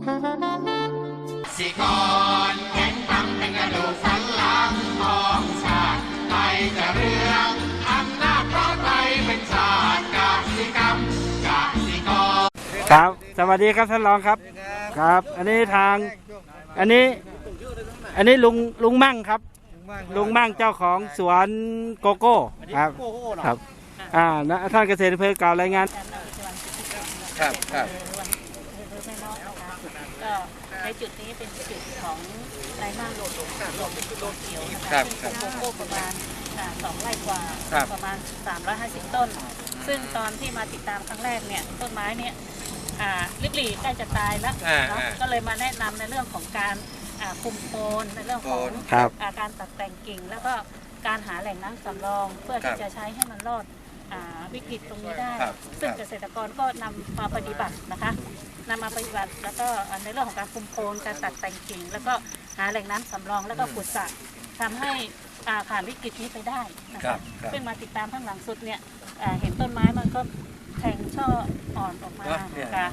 สิกรแข็งตั้งเป็นกระดูกสันหลังของชาติไทยจะเรืองอำนาจเพราะไทยเป็นชาติกสิกรรมกสิกรครับสวัสดีครับท่านรองครับครับอันนี้ทางอันนี้ลุงมั่งครับลุงมั่งเจ้าของสวนโกโก้ครับครับท่านเกษตรอำเภอกล่าวรายงานครับก็ในจุดนี้เป็นจุดของไรบ้างโลดเขียวนะคะโกโก้ประมาณ2 ไร่กว่าประมาณ350 ต้นซึ่งตอนที่มาติดตามครั้งแรกเนี่ยต้นไม้เนี่ยริบหรี่ใกล้จะตายแล้วก็เลยมาแนะนำในเรื่องของการคุมโคนในเรื่องของการตัดแต่งกิ่งแล้วก็การหาแหล่งน้ำสำรองเพื่อที่จะใช้ให้มันรอดวิกฤตตรงนี้ได้ซึ่งเกษตรกรก็นำมาปฏิบัตินะคะนำมาปฏิบัติแล้วก็ในเรื่องของการคุมโคนการตัดแต่งกิ่งแล้วก็หาแหล่งน้ำสำรองแล้วก็ขุดสระทำให้ผ่านวิกฤตนี้ไปได้นะคะซึ่งมาติดตามข้างหลังสุดเนี่ยเห็นต้นไม้มันก็แทงช่ออ่อนออกมาค่ะ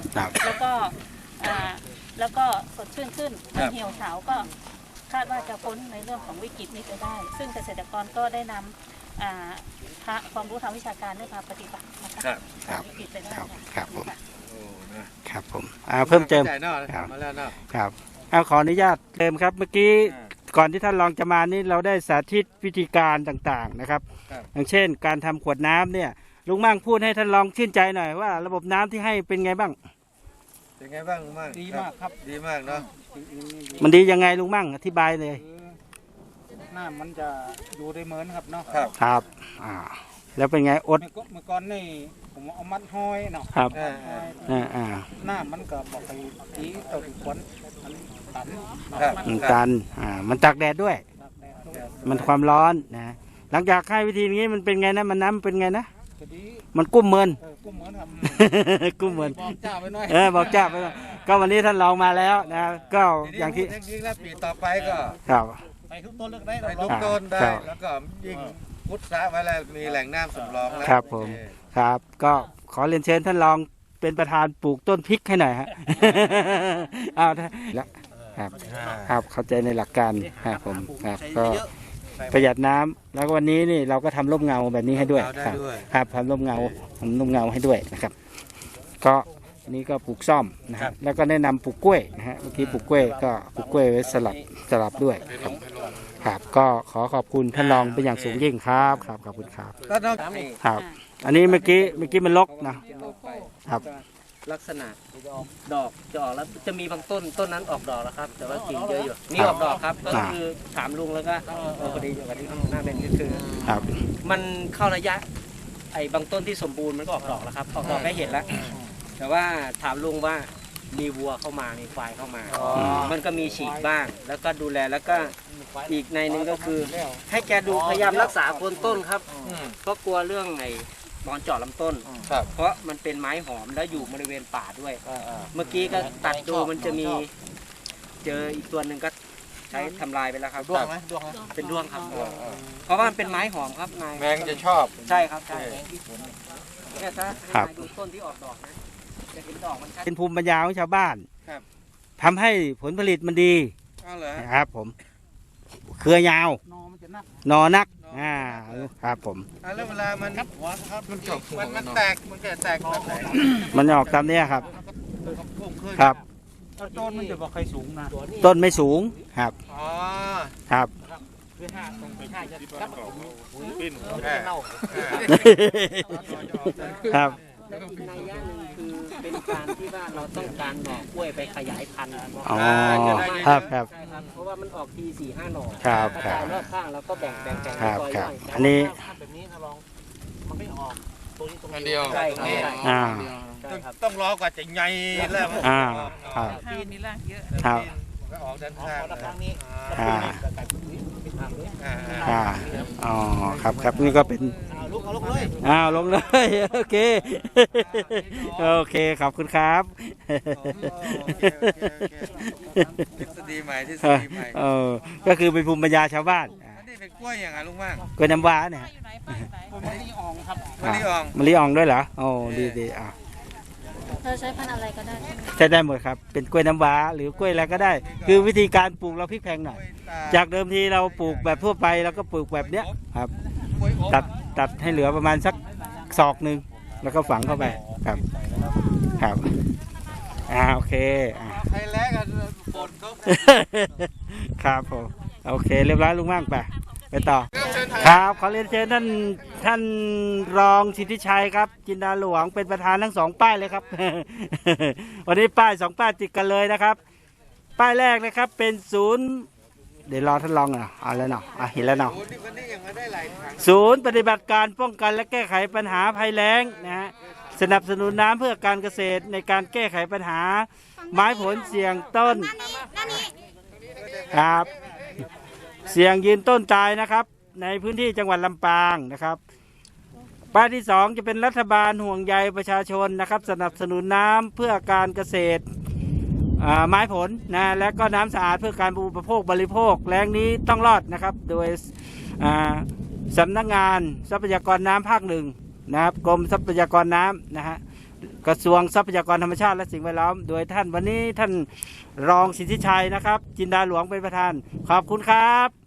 แล้วก็สดชื่นขึ้นมันเหี่ยวเฉาก็คาดว่าจะพ้นในเรื่องของวิกฤตนี้ไปได้ซึ่งเกษตรกรก็ได้นำความรู้ทางวิชาการได้มาปฏิบัตินะคะวิกฤตไปได้ครับผมครับผมเพิ่มเติมครับขออนุญาตเติมครับเมื่อกี้ก่อนที่ท่านรองจะมานี่เราได้สาธิตวิธีการต่างๆนะครับอย่างเช่นการทำขวดน้ำเนี่ยลุงมั่งพูดให้ท่านรองชื่นใจหน่อยว่าระบบน้ำที่ให้เป็นไงบ้างเป็นไงบ้างลุงมั่งดีมากครับดีมากเนาะมันดียังไงลุงมั่งอธิบายเลยน้ำมันจะอยู่ได้เหมือนครับเนาะครับแล้วเป็นไงอดเมื่อก่อนนี่ผมเอามัดห้อยเนาะครับน้ำมันก็บอกไปตีต่ออีกคนมันตันมันตากแดดด้วยมันความร้อนนะหลังจากให้วิธีนี้มันเป็นไงนะมันน้ำเป็นไงนะมันกุ้มเมินกุ้มเมินบอกเจ้าไปหน่อยบอกเจ้าไปก็วันนี้ท่านลองมาแล้วนะก็อย่างที่แล้วปีต่อไปก็ไปทุกต้นเลือกได้ทุกต้นได้แล้วก็ยิ่งพุทธะไว้แล้วมีแหล่งน้ำสำรองแล้วครับผมครับก็ขอเรียนเชิญท่านรองเป็นประธานปลูกต้นพริกให้หน่อยฮะแล้วครับเข้าใจในหลักการครับผมครับก็ประหยัดน้ำแล้ววันนี้นี่เราก็ทำร่มเงาแบบนี้ให้ด้วยครับทำร่มเงาให้ด้วยนะครับก็นี่ก็ปลูกซ่อมนะครับแล้วก็แนะนำปลูกกล้วยนะฮะเมื่อกี้ปลูกกล้วยก็ปลูกกล้วยไว้สลับด้วยครับก็ขอขอบคุณท่านรองเป็นอย่างสูงยิ่งครับขอบคุณครับครับอันนี้เมื่อกี้มันรกนะครับลักษณะดอกจะออกแล้วจะมีบางต้นนั้นออกดอกแล้วครับแต่ว่ากิ่งเยอะอยู่นี่ออกดอกครับก็คือถามลุงแล้วก็พอดีอย่างที่หน้าเป็นก็คือมันเข้าระยะไอ้บางต้นที่สมบูรณ์มันก็ออกดอกแล้วครับออกดอกได้เห็นแล้วแต่ว่าถามลุงว่ามีวัวเข้ามามีควายเข้ามามันก็มีฉีกบ้างแล้วก็ดูแลแล้วก็อีกในนึงก็คือให้แกดูพยายามรักษาโคนต้นครับเพราะกลัวเรื่องไอ้นอนเจาะลำต้นเพราะมันเป็นไม้หอมแล้วอยู่บริเวณป่าด้วยเมื่อกี้ก็ตัดดูมันจะมีเจออีกตัวหนึ่งก็ใช้ทำลายไปแล้วครับด้วงไหมด้วงเป็นด้วงครับเพราะว่ามันเป็นไม้หอมครับนายแมงจะชอบใช่ครับใช่เนี่ยถ้าดูต้นที่ออกดอกนะจะเห็นดอกมันเป็นภูมิปัญญาของชาวบ้านทำให้ผลผลิตมันดีครับผมเครือยาวนอนักครับผมแล้วเวลามันมันจบมันแตกมันแตกมันออกตามนี้ครับครับต้นมันจะบอกใครสูงนะต้นไม่สูงครับครับครับในย่างนึงคือเป็นการที่ว่าเราต้องการหน่อกล้วยไปขยายพันธุ์ครับเพราะว่ามันออกที4-5 หน่อครับรอบข้างแล้วก็แบ่งครับอันนี้แบบนี้ถ้าลองมันไม่ออกตัวนี้ตรงเดียวใช่ต้องรอกว่าจะใหญ่แล้วปีนี้ล่างเยอะครับออกด้านข้างนี้ครับนี่ก็เป็นลงเลยลงเลยโอเคขอบคุณครับทฤษฎีใหม่ก็คือเป็นภูมิปัญญาชาวบ้านนี่เป็นกล้วยอย่างไรลุงมั่งกล้วยน้ำว้าเนี่ยมะลิอ่องครับมะลิอ่องด้วยเหรอโอ้ดีเราใช้พันธุ์อะไรก็ได้ใช่ไหมใช้ได้หมดครับเป็นกล้วยน้ำว้าหรือกล้วยอะไรก็ได้ คือวิธีการปลูกเราพลิกแพลงหน่อย จากเดิมทีเราปลูกแบบทั่วไปเราก็ปลูกแบบเนี้ยครับตัดให้เหลือประมาณสักศอกหนึ่งแล้วก็ฝังเข้าไปครับครับโอเคใครแลกกันฝนก็ครับผมโอเคเรียบร้อยลุงมั่งไปต่อครับขอเรียนเชิญท่านรองสิทธิชัยครับจินดาหลวงเป็นประธานทั้ง2ป้ายเลยครับ วันนี้ป้าย2ป้ายติดกันเลยนะครับป้ายแรกนะครับเป็นศูนย์เดี๋ยวรอท่านรองเอาแล้วเนาะเห็นแล้วเนาะศูนย์ปฏิบัติการป้องกันและแก้ไขปัญหาภัยแล้งนะฮะสนับสนุนน้ำเพื่อการเกษตรในการแก้ไขปัญหาไม้ผลเสี่ยงต้นครับเสี่ยงยืนต้นตายนะครับในพื้นที่จังหวัดลำปางนะครับป้ายที่2จะเป็นรัฐบาลห่วงใยประชาชนนะครับสนับสนุนน้ำเพื่อการเกษตรไม้ผลนะและก็น้ำสะอาดเพื่อการอุปโภคบริโภคแล้งนี้ต้องรอดนะครับโดยสำนักงานทรัพยากรน้ำภาค1นะครับกรมทรัพยากรน้ำนะฮะกระทรวงทรัพยากรธรรมชาติและสิ่งแวดล้อมโดยท่านวันนี้ท่านรองสิทธิชัยนะครับจินดาหลวงเป็นประธานขอบคุณครับ